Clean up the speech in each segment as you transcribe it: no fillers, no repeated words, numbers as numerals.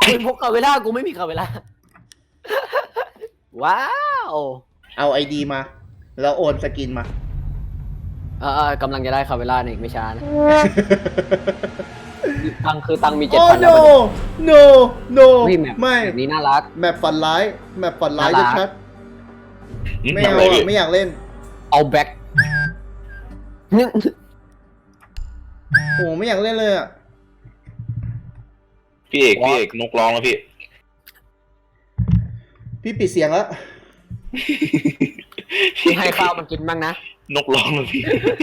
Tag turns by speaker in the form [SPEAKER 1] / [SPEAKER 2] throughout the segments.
[SPEAKER 1] กูพกคาเวล่ากูไม่มีคาเวล่าว้าว
[SPEAKER 2] เอาไอดีมา แล้วโอนสกินมา
[SPEAKER 1] กำลังจะได้คาเวล่าในอีกไม่ช้านะตังมี
[SPEAKER 2] โอ้
[SPEAKER 1] 7,000 แล้ว
[SPEAKER 2] no no no
[SPEAKER 1] ไม่แม
[SPEAKER 2] ไม่
[SPEAKER 1] แบบนี้น่ารัก
[SPEAKER 2] แมปฝันร้ายแมปฝันร้าย
[SPEAKER 1] น่ารัก
[SPEAKER 2] ชัดๆไม่เอาอะไม่อยากเล่น
[SPEAKER 1] เอาแบ็ค
[SPEAKER 2] โอ้ไม่อยากเล่นเลยอ่ะ
[SPEAKER 3] พี่เอกนกร้องแล้วพี่
[SPEAKER 2] พี่ปิดเสียงแล้ว
[SPEAKER 1] ให้ข้าวมันกินบ้างนะ
[SPEAKER 3] นกร้องแล้วพี่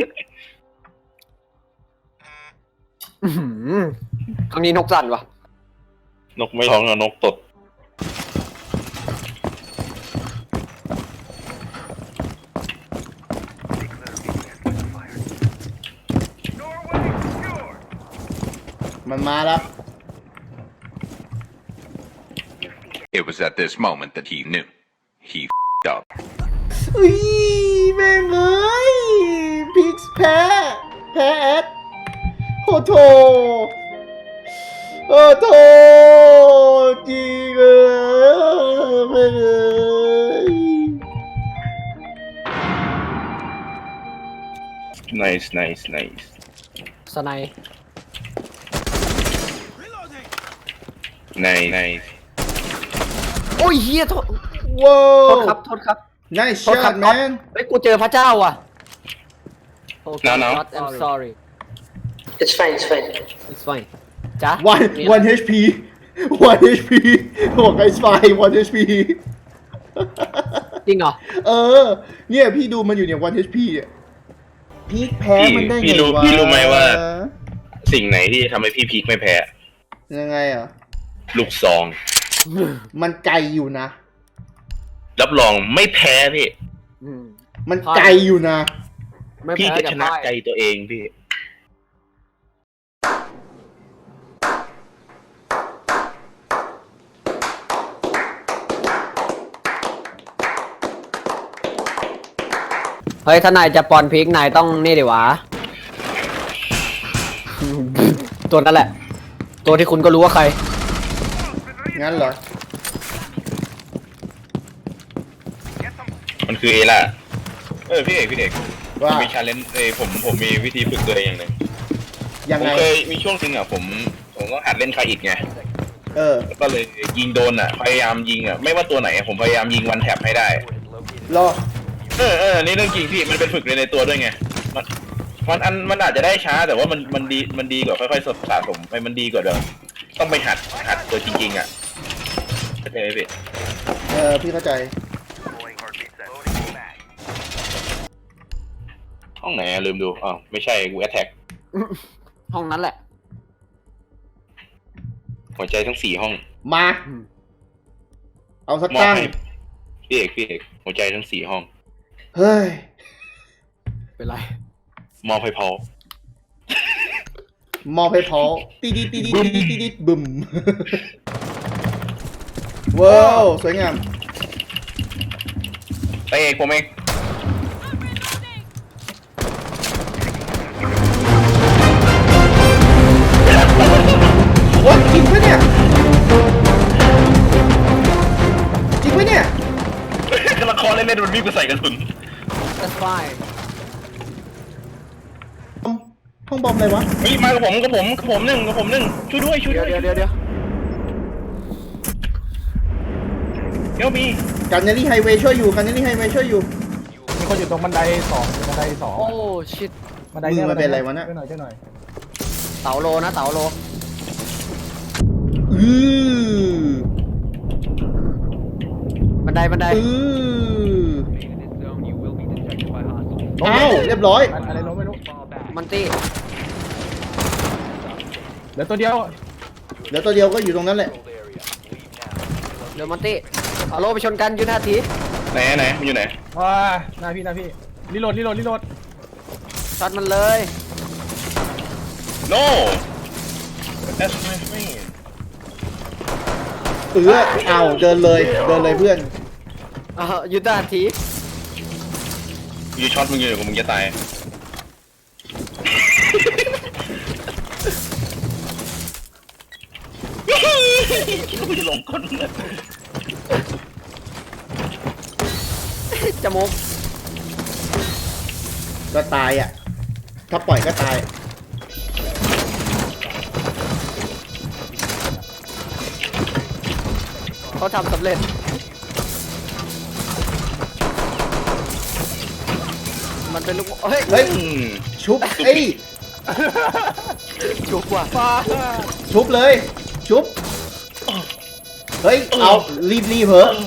[SPEAKER 1] ครั้งนี้นกสั่นวะ
[SPEAKER 3] นกไม่ร้องนะนกตด
[SPEAKER 2] มันมาแล้ว
[SPEAKER 4] It was at this moment that he knew. He f***ed up.
[SPEAKER 2] อุ้ยแม่งเอ้ยพิกซ์แพ้แอดโอ้โถโอ้โถจริงแม่งเอ้ย
[SPEAKER 3] nice
[SPEAKER 1] สไนด์
[SPEAKER 3] nice
[SPEAKER 1] โอ้ยเฮียโทษ
[SPEAKER 2] ว้า
[SPEAKER 1] โท
[SPEAKER 2] ว
[SPEAKER 1] ษครับโทษครับ
[SPEAKER 2] nice
[SPEAKER 1] โทษครั
[SPEAKER 2] shot
[SPEAKER 1] บน็อต
[SPEAKER 2] man
[SPEAKER 1] เฮ้ยกูเจอพระเจ้าว่ะโอเค
[SPEAKER 3] No.
[SPEAKER 1] not I'm sorry
[SPEAKER 5] It's fine, it's fine.
[SPEAKER 1] it's fine จ้ะ
[SPEAKER 2] one HP บอกไอ้สไป1 HP
[SPEAKER 1] จริงเหรอ
[SPEAKER 2] เนี่ยพี่ดูมันอยู่เนี่ย1 HP เนี่ยพีคแพ้มันได้ไง
[SPEAKER 3] พี่รู้
[SPEAKER 2] วะ
[SPEAKER 3] พี่รู้ไหมว่า สิ่งไหนที่ทำให้พี่พีคไม่แพ้
[SPEAKER 2] ยังไงอ่ะ
[SPEAKER 3] ลูกซอง
[SPEAKER 2] มันไกลอยู่นะ
[SPEAKER 3] รับรองไม่แพ้พี่
[SPEAKER 1] อืม
[SPEAKER 2] มันไกลอยู่นะ
[SPEAKER 1] ไม่
[SPEAKER 3] พี่
[SPEAKER 1] แพ้
[SPEAKER 3] จะ
[SPEAKER 1] แต่
[SPEAKER 3] ชนะ
[SPEAKER 1] พ่าย
[SPEAKER 3] ใจตัวเองพี่
[SPEAKER 1] เฮ้ยถ้านายจะปอนพีกนายต้องนี่ดิวะ ตัวนั้นแหละ ตัวที่คุณก็รู้ว่าใคร
[SPEAKER 2] งั้นเหรอ
[SPEAKER 3] มันคือเอล่าพี่เอก
[SPEAKER 2] ว่า
[SPEAKER 3] ผมมีชาเลนจ์ผมมีวิธีฝึกตัวเองอย่างหนึ่ง
[SPEAKER 2] ยัง
[SPEAKER 3] ผม
[SPEAKER 2] ไง
[SPEAKER 3] เคยมีช่วงหนึ่งอ่ะผมต้องหัดเล่นคาอิดไง
[SPEAKER 2] เออ
[SPEAKER 3] ก็เลยยิงโดนอ่ะพยายามยิงอ่ะไม่ว่าตัวไหนผมพยายามยิงวันแท็บให้ได้
[SPEAKER 2] รอ
[SPEAKER 3] นี่เรื่องจริงพี่มันเป็นฝึกในตัวด้วยไงมันอาจจะได้ช้าแต่ว่ามันดีกว่าค่อยๆสะสมไปมันดีกว่าเดิมต้องไปหัดตัวจริงๆอ่ะเข้าใจไหมพี่
[SPEAKER 2] พี่เข้าใจ
[SPEAKER 3] ห้องไหนลืมดูอ๋อไม่ใช่กูแอทแทก
[SPEAKER 1] ห้องนั้นแหละ
[SPEAKER 3] หัวใจทั้ง4ห้อง
[SPEAKER 2] มา เอาสัก
[SPEAKER 3] มอบ
[SPEAKER 2] ตั้ง
[SPEAKER 3] ให้พี่เอกหัวใจทั้ง4ห้อง
[SPEAKER 2] เฮ้ย
[SPEAKER 1] เป็นไร
[SPEAKER 3] มอบให้พอ
[SPEAKER 2] มอบให้พอตีดิบึมว้าวสวยงาม
[SPEAKER 3] ไปเอกผมเอง
[SPEAKER 2] โอ๊ยจริงปะเนี่ย จริงปะเนี่ย
[SPEAKER 3] กระคอเล่นมันวิ่งไปใส่กระสุน
[SPEAKER 1] that's fine
[SPEAKER 2] ห้องบอมอะไรวะ
[SPEAKER 3] เฮ้ยมากับผมหนึ่งช่วยด้วย
[SPEAKER 1] เดี๋ยว
[SPEAKER 3] เดี๋ยวมี
[SPEAKER 2] กันเนลลี่ไฮเวย์ช่วยอยู่กันเนลลี่ไฮเวย์ช่วยอยู่
[SPEAKER 6] มีคนอยู่ตรงบันไดสอง
[SPEAKER 1] โอ้ชิต
[SPEAKER 6] บันได
[SPEAKER 2] มื
[SPEAKER 6] เนี่ย
[SPEAKER 2] อมันเป็นอะไรวะน่ะ
[SPEAKER 6] ช่วยหน่อย
[SPEAKER 1] เต๋าโลนะเต๋าโล
[SPEAKER 2] อือ
[SPEAKER 1] บันได
[SPEAKER 2] อืออ้าวเรียบร้อย
[SPEAKER 6] อะไรล้มไม่รู้
[SPEAKER 1] มันตี้
[SPEAKER 6] เหลือตัวเดียว
[SPEAKER 2] เดี๋ยวตัวเดียวก็อยู่ตรงนั้นแหละ
[SPEAKER 1] เดี๋ยวมันตี้เอาโลไปชนกันยุทธาที
[SPEAKER 3] ไหนมันอยู่ไหน
[SPEAKER 6] ว้าหน้าพี่รีโหลด
[SPEAKER 1] ช็อตมันเลย
[SPEAKER 3] no that's my friend
[SPEAKER 2] เอาเดินเลยเพื่อน
[SPEAKER 1] ยุทธาที
[SPEAKER 3] ยูช็อตมึงอยู่กับมึงจะตายคิดว่ากูจะลงก้นเลย
[SPEAKER 1] จมูก
[SPEAKER 2] ก็ตายอ่ะ ถ้าปล่อยก็ตาย
[SPEAKER 1] เขาทำสำเร็จมันเป็นลูกเฮ้ย
[SPEAKER 2] เฮ้ย ชุบเอ้ย
[SPEAKER 1] จุกว่ะ
[SPEAKER 6] ฟ้า
[SPEAKER 2] ชุบเลย ชุบ เฮ้ย เอารีบเหอะ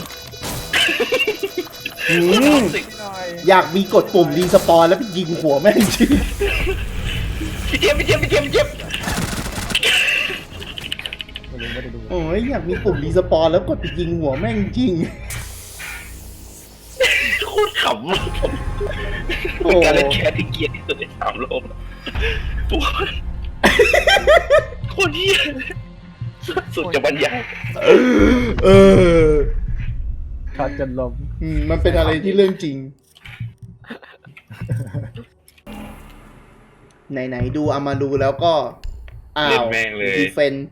[SPEAKER 2] อืม
[SPEAKER 6] หน่อย
[SPEAKER 2] อยากมีกดปุ่มรีสปอนแล้วไปยิงหัวแม่งจริง
[SPEAKER 3] พี่เจี๊ยบพี่เจี๊ยบพี่เจี๊ยบพี่เจี๊ยบ
[SPEAKER 6] ไม่ได้ดู
[SPEAKER 2] โอ้ยอยากมีปุ่มรีสปอนแล้วกดไปยิงหัวแม่งจริง
[SPEAKER 3] โคตรขำเลยผม
[SPEAKER 2] โอ้
[SPEAKER 3] เป็นการเล่นแคสที่เกลียดที่สุดใน3 โลกโคตรเหี้ยสุดจะบรรยาย
[SPEAKER 2] เออ
[SPEAKER 6] ขาดจนลม
[SPEAKER 2] มันเป็นอะไรที่เรื่องจริง ไหนๆดูเอามาดูแล้วก็ อ้า
[SPEAKER 3] เล่น
[SPEAKER 2] ว
[SPEAKER 3] แม่งเลย
[SPEAKER 2] ดีเฟน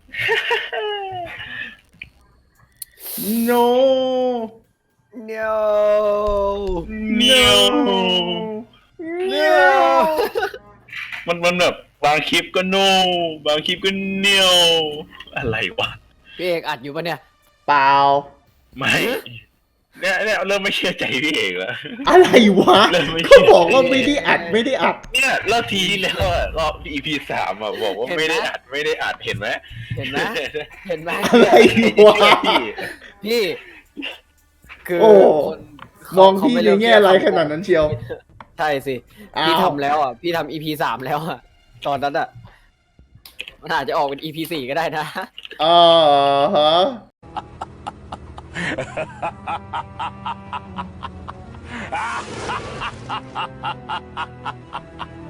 [SPEAKER 2] no
[SPEAKER 1] เนียว
[SPEAKER 3] เนียว
[SPEAKER 1] เนียว
[SPEAKER 3] มันแบบบางคลิปก็โนบางคลิปก็เนียวอะไรวะ
[SPEAKER 1] พี่เอกอัดอยู่ปะเนี่ย
[SPEAKER 2] เปล่า
[SPEAKER 3] ไม่เนี่ยเริ่มไม่เชื่อใจพี่เอกแล้ว
[SPEAKER 2] อะไรวะ
[SPEAKER 3] เริ่มไม่
[SPEAKER 2] เขาบอกว่าไม่ได้อัดไม่ได้อัด
[SPEAKER 3] เนี่ยรอบทีที่แล้วอะรอบ EP 3อ่ะบอกว่าไม่ได้อัดเห็นไหม
[SPEAKER 1] เห็นไหมเห็นไหม
[SPEAKER 2] อะไรวะ
[SPEAKER 1] พี่คือ
[SPEAKER 2] โอ้
[SPEAKER 1] คน
[SPEAKER 2] มอง
[SPEAKER 1] เขา
[SPEAKER 2] พี่
[SPEAKER 1] ไม่
[SPEAKER 2] ใน
[SPEAKER 1] เลือก
[SPEAKER 2] แง่ร้ายขนาดนั้นเชียว
[SPEAKER 1] ใช่สิ
[SPEAKER 2] อ้าว
[SPEAKER 1] พี่ทำแล้วอ่ะพี่ทำ EP 3แล้วอ่ะตอนนั้นอ่ะมันอาจจะออกเป็น EP 4ก็ได้นะ
[SPEAKER 2] อ่าฮะ